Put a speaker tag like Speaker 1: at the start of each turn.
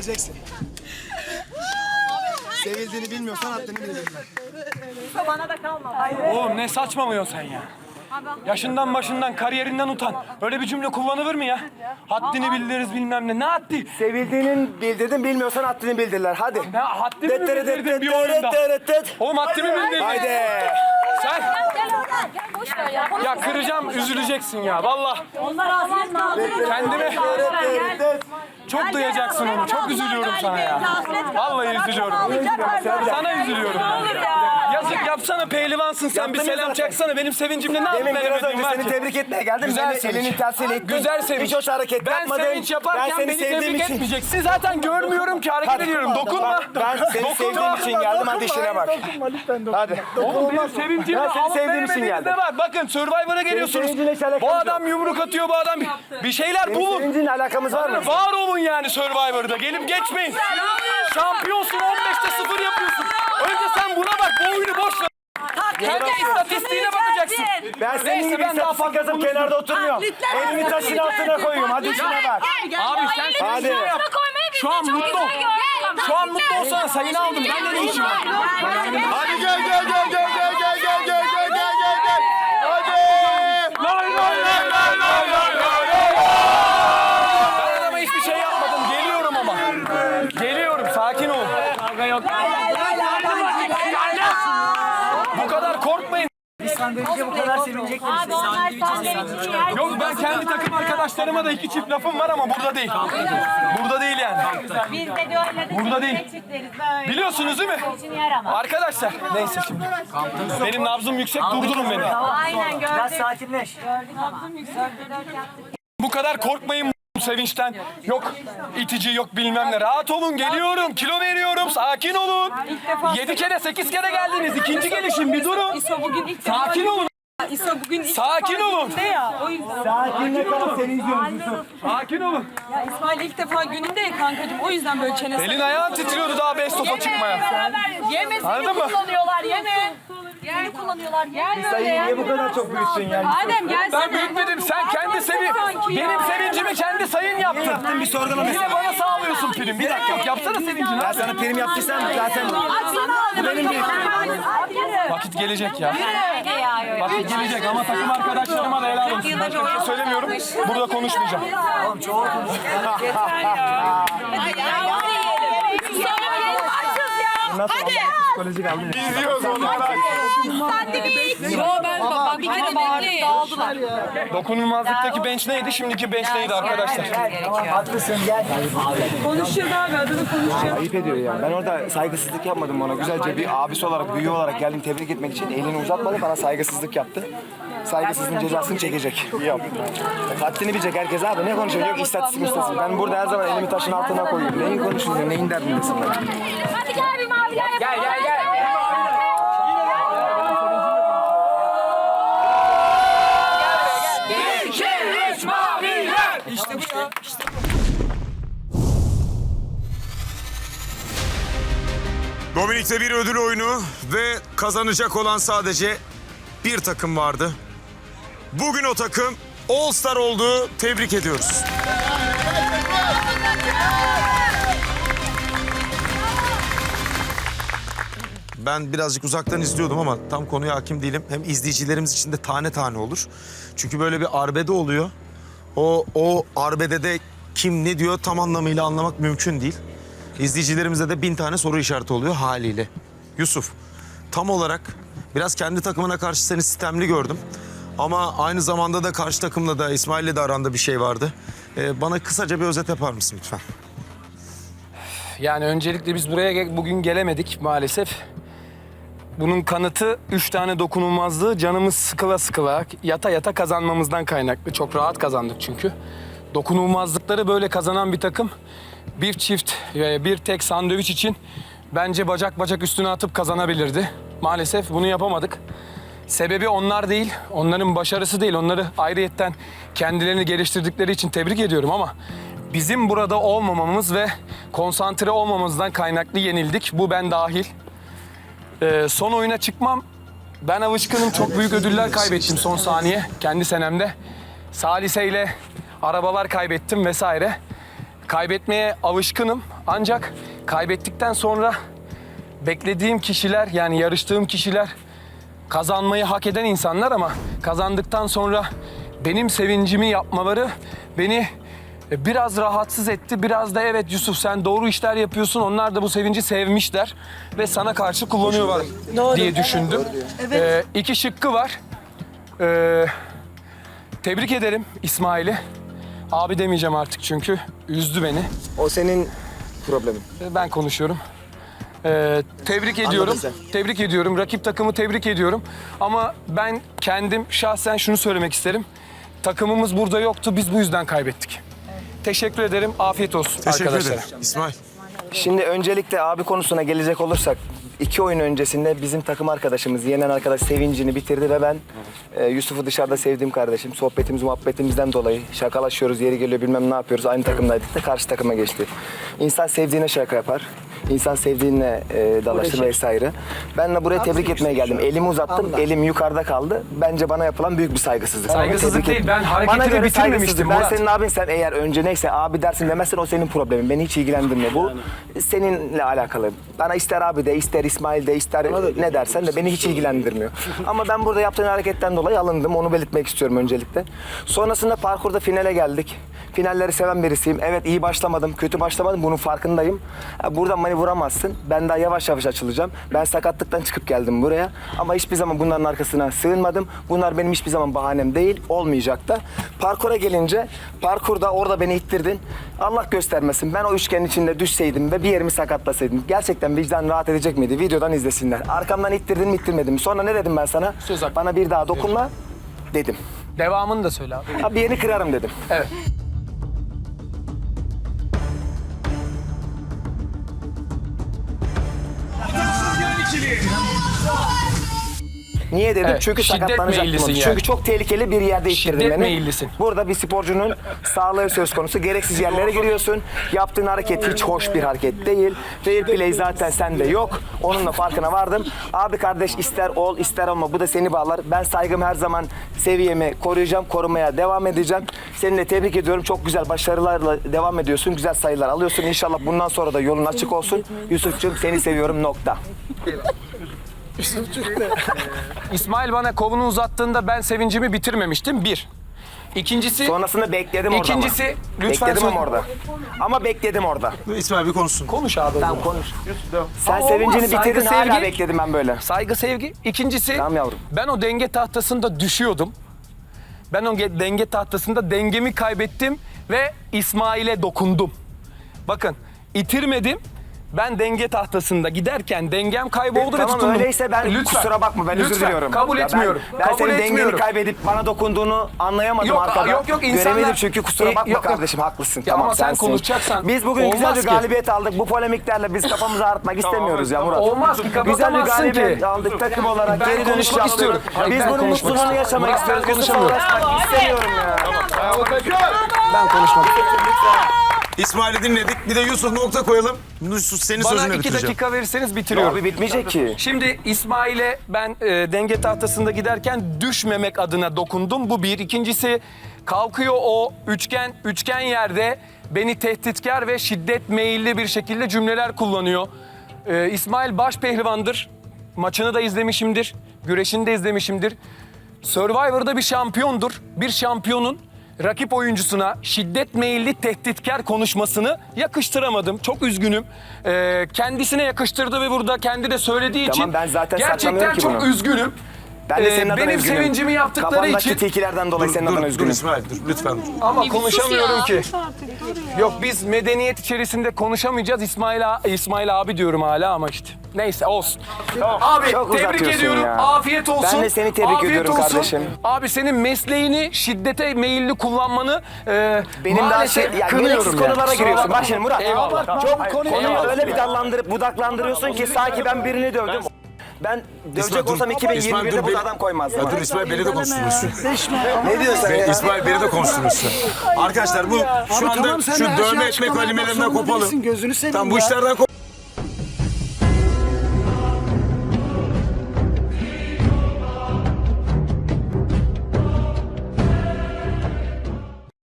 Speaker 1: Bileceksin. Sevildiğini bilmiyorsan haddini bileceksin.
Speaker 2: Bana da kalma.
Speaker 3: Oğlum ne saçmalıyorsun sen ya? Yaşından başından kariyerinden utan. Öyle bir cümle kullanılır mı ya? Haddini bildiririz bilmem ne. Ne haddi?
Speaker 1: Sevildiğini bildirdin, bilmiyorsan haddini bildirler. Hadi.
Speaker 3: Ne haddimi mi bildirdin bir oyunda? Oğlum haddimi bildirdin.
Speaker 1: Haydi.
Speaker 3: Sen
Speaker 2: Gel oradan. Gel boş ver ya.
Speaker 3: ya kıracağım, üzüleceksin ya. Vallahi
Speaker 2: Onlar ağzını
Speaker 3: kendime çok duyacaksın onu. Çok üzülüyorum sana ya. Vallahi üzülüyorum. Sana üzülüyorum. Yazık yapsana pehlivansın sen bir selam çaksana. Benim sevincimle ne
Speaker 1: Demin biraz
Speaker 3: yapayım
Speaker 1: önce seni tebrik etmeye geldim.
Speaker 3: Güzel
Speaker 1: Beni
Speaker 3: sevinç.
Speaker 1: elini tersiyle ittin.
Speaker 3: Güzel sevinç.
Speaker 1: Hiç hoş hareket
Speaker 3: ben
Speaker 1: yapmadın.
Speaker 3: sevinç yaparken
Speaker 1: seni
Speaker 3: beni
Speaker 1: sevdiğim
Speaker 3: tebrik
Speaker 1: için.
Speaker 3: etmeyeceksin. Zaten görmüyorum ki hareket ediyorum. Dokunma.
Speaker 1: Ben seni sevdiğim için geldim. Hadi işine bak. Hadi.
Speaker 3: Oğlum benim sevincimle
Speaker 1: Ben seni sevdiğim için geldim.
Speaker 3: var. Bakın Survivor'a geliyorsunuz.
Speaker 1: sevincinle hiç alakamız
Speaker 3: Bu
Speaker 1: yok.
Speaker 3: adam yumruk atıyor, bu adam bir şeyler
Speaker 1: Senin
Speaker 3: bulun.
Speaker 1: sevincinle alakamız var mı?
Speaker 3: Var olun yani Survivor'da. Gelip geçmeyin. Şampiyonsun 15'te 0 yapıyorsun. Önce sen buna bak. Bu oyunu boş ver. Önce istatistiğine bakacaksın.
Speaker 1: Ben senin gibi istatistik yazıp kenarda oturmuyorum. Elimi taşın altına koyuyorum. Hadi işine bak.
Speaker 3: Abi sen
Speaker 1: Hadi.
Speaker 3: şu an mutlu ol. Şu an mutlu olsana sayını aldım. Bende ne işim var?
Speaker 1: Hadi gel. Hadi.
Speaker 3: Lay lay lay lay lay lay lay. Ben adama hiçbir şey yapmadım. Geliyorum ama. Geliyorum. Sakin ol. Kavga yok. Bu kadar korkmayın.
Speaker 1: Bu kadar sevinecek misin?
Speaker 2: Abi onlar sandviç için yer.
Speaker 3: Yok ben kendi takım arkadaşlarıma da iki çift lafım var ama burada değil. Burada değil yani.
Speaker 2: Biz de de öyle de
Speaker 3: Burada değil.
Speaker 2: çiftleriz böyle.
Speaker 3: Biliyorsunuz değil mi?
Speaker 2: İçin yer ama.
Speaker 3: Arkadaşlar neyse şimdi. Benim nabzım yüksek, durdurun beni.
Speaker 2: Aynen gördük.
Speaker 1: Biraz sakinleş.
Speaker 2: Gördük ama. Dört yaptık.
Speaker 3: Bu kadar korkmayın bu sevinçten. Yok itici yok bilmem ne. Rahat olun geliyorum. Kilo veriyorum. Sakin olun. 7 kere 8 kere geldiniz. İkinci gelişim bir durun. Sakin olun. Sakin olun.
Speaker 1: Sakinle kal seni izliyorum Yusuf.
Speaker 3: Sakin olun.
Speaker 4: Ya İsmail ilk defa gününde ya kankacığım, o yüzden böyle çenesi.
Speaker 3: Elin ayağın titriyordu daha best of'a çıkmaya.
Speaker 4: Yeme,
Speaker 3: Anladın
Speaker 4: seni
Speaker 3: mı?
Speaker 4: kullanıyorlar, yeme. Seni kullanıyorlar, yer böyle
Speaker 1: Sayıyı
Speaker 4: ya.
Speaker 1: niye bu kadar çok büyüttün yani?
Speaker 4: Adem gelsene.
Speaker 3: Ben büyütmedim. Sen kendi benim sevincimi kendi sayın yaptın.
Speaker 1: Yaptın bir sorgulama.
Speaker 3: Yine bana sağlıyorsun prim. Bir dakika yok. Yapsana sevincini.
Speaker 1: Ben sana prim yaptıysam zaten bu benim bir
Speaker 3: Vakit gelecek ya. Vakit gelecek ama takım arkadaşlarıma da helal olsun. Başka bir şey söylemiyorum. Burada konuşmayacağım.
Speaker 1: psikolojik aldım.
Speaker 3: İzliyoruz onları.
Speaker 4: Yo ben bak bir kere bekleyin. Dağıldılar.
Speaker 3: Dokunulmazlıktaki bench neydi? Şimdiki bench neydi arkadaşlar?
Speaker 1: Tamam haklısın gel.
Speaker 4: Konuşacağız abi, adını konuşacağız.
Speaker 1: Ayıp ediyor ya. Ben orada saygısızlık yapmadım ona. Güzelce bir abisi olarak, büyüğü olarak geldim tebrik etmek için. Elini uzatmadı, bana saygısızlık yaptı. Saygısızlığın cezasını çekecek. Haddini bilecek herkes abi. Ne konuşuyor? Yok istatistik. Ben burada her zaman elimi taşın altına koyuyorum. Neyin konuşuyorsun? Neyin derdindesin?
Speaker 2: Hadi gel bir maviler yapalım.
Speaker 3: Gel. İşte bu ya.
Speaker 5: Dominik'te bir ödül oyunu ve kazanacak olan sadece bir takım vardı. Bugün o takım All Star oldu. Tebrik ediyoruz. Ben birazcık uzaktan izliyordum ama tam konuya hakim değilim. Hem izleyicilerimiz için de tane tane olur. Çünkü böyle bir arbede oluyor. O arbedede kim ne diyor tam anlamıyla anlamak mümkün değil. İzleyicilerimize de 1000 tane soru işareti oluyor haliyle. Yusuf, tam olarak biraz kendi takımına karşı seni sistemli gördüm. Ama aynı zamanda da karşı takımla da İsmail'le de aranda bir şey vardı. Bana kısaca bir özet yapar mısın lütfen?
Speaker 3: Yani öncelikle biz buraya bugün gelemedik maalesef. Bunun kanıtı 3 tane dokunulmazlığı canımız sıkıla sıkıla yata yata kazanmamızdan kaynaklı. Çok rahat kazandık çünkü. Dokunulmazlıkları böyle kazanan bir takım bir çift ve bir tek sandviç için bence bacak bacak üstüne atıp kazanabilirdi. Maalesef bunu yapamadık. Sebebi onlar değil, onların başarısı değil. Onları ayrıyetten kendilerini geliştirdikleri için tebrik ediyorum ama bizim burada olmamamız ve konsantre olmamızdan kaynaklı yenildik. Bu ben dahil. Son oyuna çıkmam. Ben alışkınım. Çok büyük ödüller kaybettim son saniye kendi senemde. Salise ile arabalar kaybettim vesaire. Kaybetmeye alışkınım ancak kaybettikten sonra beklediğim kişiler yani yarıştığım kişiler kazanmayı hak eden insanlar ama kazandıktan sonra benim sevincimi yapmaları beni biraz rahatsız etti. Biraz da evet Yusuf sen doğru işler yapıyorsun. Onlar da bu sevinci sevmişler ve sana karşı kullanıyorlar diye düşündüm. İki şıkkı var. Tebrik ederim İsmail'i. Abi demeyeceğim artık çünkü üzdü beni.
Speaker 1: O senin problemin.
Speaker 3: Ben konuşuyorum. Tebrik ediyorum.
Speaker 1: sen.
Speaker 3: Tebrik ediyorum. Rakip takımı tebrik ediyorum. Ama ben kendim şahsen şunu söylemek isterim. Takımımız burada yoktu. Biz bu yüzden kaybettik. Teşekkür ederim. Afiyet olsun
Speaker 5: Teşekkür
Speaker 3: arkadaşlar.
Speaker 5: ederim. İsmail.
Speaker 1: Şimdi öncelikle abi konusuna gelecek olursak 2 oyun öncesinde bizim takım arkadaşımız, yenen arkadaş sevincini bitirdi ve ben Yusuf'u dışarıda sevdiğim kardeşim. Sohbetimiz, muhabbetimizden dolayı şakalaşıyoruz, yeri geliyor bilmem ne yapıyoruz. Aynı takımdaydık da karşı takıma geçti. İnsan sevdiğine şaka yapar. İnsan sevdiğinle dalaşır vesaire. Ben de buraya tebrik etmeye geldim. Elimi uzattım, elim yukarıda kaldı. Bence bana yapılan büyük bir saygısızlık.
Speaker 3: Saygısızlık
Speaker 1: Tebrik
Speaker 3: değil,
Speaker 1: ederim.
Speaker 3: ben hareketini
Speaker 1: Bana göre
Speaker 3: bitirmemiştim
Speaker 1: saygısızlık. Ben
Speaker 3: Murat.
Speaker 1: senin abin, sen eğer önce neyse abi dersin demezsen o senin problemin. Beni hiç ilgilendirmiyor. Bu seninle alakalı. Bana ister abi de, ister İsmail de, ister ne dersen de beni hiç ilgilendirmiyor. Ama ben burada yaptığın hareketten dolayı alındım. Onu belirtmek istiyorum öncelikle. Sonrasında parkurda finale geldik. Finalleri seven birisiyim. Evet iyi başlamadım, kötü başlamadım. Bunun farkındayım. Buradan beni vuramazsın. Ben daha yavaş yavaş açılacağım. Ben sakatlıktan çıkıp geldim buraya. Ama hiçbir zaman bunların arkasına sığınmadım. Bunlar benim hiçbir zaman bahanem değil. Olmayacak da. Parkura gelince, parkurda orada beni ittirdin. Allah göstermesin. Ben o üçgenin içinde düşseydim ve bir yerimi sakatlasaydım. Gerçekten vicdan rahat edecek miydi? Videodan izlesinler. Arkamdan ittirdin mi ittirmedin mi? Sonra ne dedim ben sana?
Speaker 3: Söz hakkı.
Speaker 1: Bana bir daha dokunma dedim.
Speaker 3: Devamını da söyle abi.
Speaker 1: Ha, bir yerini kırarım dedim.
Speaker 3: Evet.
Speaker 1: Niye dedim?
Speaker 3: Evet,
Speaker 1: Çünkü
Speaker 3: şiddet
Speaker 1: sakatlanacaktım.
Speaker 3: meyillisin
Speaker 1: onu.
Speaker 3: yani.
Speaker 1: Çünkü çok tehlikeli bir yerde ittirdin
Speaker 3: Şiddet
Speaker 1: beni.
Speaker 3: meyillisin.
Speaker 1: Burada bir sporcunun sağlığı söz konusu. Gereksiz yerlere giriyorsun. Yaptığın hareket hiç hoş bir hareket değil. Fair play zaten sende yok. Onun da farkına vardım. Abi kardeş ister ol ister olma bu da seni bağlar. Ben saygımı her zaman seviyemi koruyacağım. Korumaya devam edeceğim. Seni de tebrik ediyorum. Çok güzel başarılarla devam ediyorsun. Güzel sayılar alıyorsun. İnşallah bundan sonra da yolun açık olsun. Yusuf'cum seni seviyorum nokta.
Speaker 3: İsmail bana kolunu uzattığında ben sevincimi bitirmemiştim. Bir. İkincisi...
Speaker 1: Sonrasında bekledim orada
Speaker 3: İkincisi,
Speaker 1: ama.
Speaker 3: lütfen
Speaker 1: Bekledim
Speaker 3: söyle.
Speaker 1: ama orada. Ama bekledim orada.
Speaker 5: İsmail bir konuşsun.
Speaker 3: Konuş abi.
Speaker 1: Tamam konuş. Sen
Speaker 3: Ama
Speaker 1: sevincini
Speaker 3: olmaz, saygı,
Speaker 1: bitirdin hala
Speaker 3: sevgi.
Speaker 1: bekledim ben böyle.
Speaker 3: Saygı, sevgi. İkincisi,
Speaker 1: Tamam yavrum.
Speaker 3: ben o denge tahtasında düşüyordum. Ben o denge tahtasında dengemi kaybettim ve İsmail'e dokundum. Bakın, itirmedim. Ben denge tahtasında giderken dengem kayboldu ve
Speaker 1: Tamam
Speaker 3: tutundum.
Speaker 1: öyleyse ben
Speaker 3: Lütfen.
Speaker 1: kusura bakma ben özür
Speaker 3: Lütfen,
Speaker 1: diliyorum.
Speaker 3: kabul
Speaker 1: Ya
Speaker 3: etmiyorum.
Speaker 1: Ben
Speaker 3: Kabul
Speaker 1: senin dengeni
Speaker 3: etmiyorum.
Speaker 1: kaybedip bana dokunduğunu anlayamadım
Speaker 3: Yok,
Speaker 1: arkada.
Speaker 3: yok, insanlar-
Speaker 1: Göremedim çünkü kusura bakma
Speaker 3: Yok, yok.
Speaker 1: kardeşim haklısın.
Speaker 3: Ya
Speaker 1: Tamam
Speaker 3: ama sen
Speaker 1: sensin.
Speaker 3: konuşacaksan
Speaker 1: Biz bugün güzel
Speaker 3: olmaz
Speaker 1: bir
Speaker 3: ki.
Speaker 1: galibiyet aldık. Bu polemiklerle biz kafamızı ağrıtmak istemiyoruz ya Murat.
Speaker 3: Olmaz ki,
Speaker 1: Güzel bir
Speaker 3: kapatamazsın
Speaker 1: galibiyet
Speaker 3: ki.
Speaker 1: aldık takım olarak.
Speaker 3: Ben
Speaker 1: Geri dönüş
Speaker 3: konuşmak
Speaker 1: yaptık.
Speaker 3: istiyorum. Hayır,
Speaker 1: Biz
Speaker 3: ben
Speaker 1: bunun
Speaker 3: konuşmak
Speaker 1: mutluluğunu
Speaker 3: istiyorum.
Speaker 1: yaşamak
Speaker 3: Murat, ben
Speaker 1: istiyoruz. Yusuf'la
Speaker 3: konuşamıyorum.
Speaker 1: uğraşmak istemiyorum ya.
Speaker 3: Ben konuşmak istiyorum.
Speaker 5: İsmail'i dinledik. Bir de Yusuf nokta koyalım. Yusuf senin
Speaker 3: Bana
Speaker 5: sözünü
Speaker 3: 2
Speaker 5: bitireceğim.
Speaker 3: dakika verirseniz bitiriyorum.
Speaker 1: Abi bitmeyecek ki.
Speaker 3: Şimdi İsmail'e ben denge tahtasında giderken düşmemek adına dokundum. Bu bir. İkincisi kalkıyor o üçgen yerde beni tehditkar ve şiddet meyilli bir şekilde cümleler kullanıyor. İsmail baş pehlivandır. Maçını da izlemişimdir. Güreşini de izlemişimdir. Survivor'da bir şampiyondur. Bir şampiyonun rakip oyuncusuna şiddet meyilli tehditkar konuşmasını yakıştıramadım. Çok üzgünüm. Kendisine yakıştırdı ve burada kendi de söylediği
Speaker 1: Tamam,
Speaker 3: için
Speaker 1: ben zaten
Speaker 3: gerçekten
Speaker 1: saklamıyorum ki
Speaker 3: çok
Speaker 1: bunu.
Speaker 3: üzgünüm.
Speaker 1: Ben de senin adına
Speaker 3: benim
Speaker 1: üzgünüm.
Speaker 3: sevincimi yaptıkları
Speaker 1: Kafandaki
Speaker 3: için
Speaker 1: tilkilerden dolayı senin adına
Speaker 5: Dur
Speaker 1: üzgünüm.
Speaker 5: İsmail dur lütfen dur.
Speaker 3: ama konuşamıyorum
Speaker 4: ya.
Speaker 3: ki. Yok biz medeniyet içerisinde konuşamayacağız. İsmail abi diyorum hala ama işte. Neyse olsun. Abi
Speaker 1: Çok
Speaker 3: tebrik
Speaker 1: uzatıyorsun
Speaker 3: ediyorum.
Speaker 1: ya.
Speaker 3: Afiyet olsun.
Speaker 1: Ben de seni tebrik
Speaker 3: Afiyet
Speaker 1: ediyorum
Speaker 3: olsun.
Speaker 1: kardeşim.
Speaker 3: Abi senin mesleğini şiddete meyilli kullanmanı
Speaker 1: Benim daha
Speaker 3: maalesef
Speaker 1: ya
Speaker 3: kınıyorum
Speaker 1: gereksiz
Speaker 3: yani.
Speaker 1: konulara giriyorsun. Bak şimdi Murat.
Speaker 3: Eyvallah.
Speaker 1: Konuyu öyle bir dallandırıp budaklandırıyorsun ki sanki ben birini dövdüm. Ben dövecek olsam 2021'de bu adam koymazdım.
Speaker 5: Ya dur İsmail beni de konuşturmuşsun.
Speaker 1: Ne diyorsun ya?
Speaker 5: İsmail beni de konuşturmuşsun. Arkadaşlar bu şu anda
Speaker 6: tamam, sen
Speaker 5: şu
Speaker 6: de her şeyi
Speaker 5: dövme etmek
Speaker 6: açıklamaya
Speaker 5: kelimelerinden
Speaker 6: zorunda
Speaker 5: kopalım.
Speaker 6: değilsin, gözünü seveyim
Speaker 5: Tamam bu
Speaker 6: ya.
Speaker 5: işlerden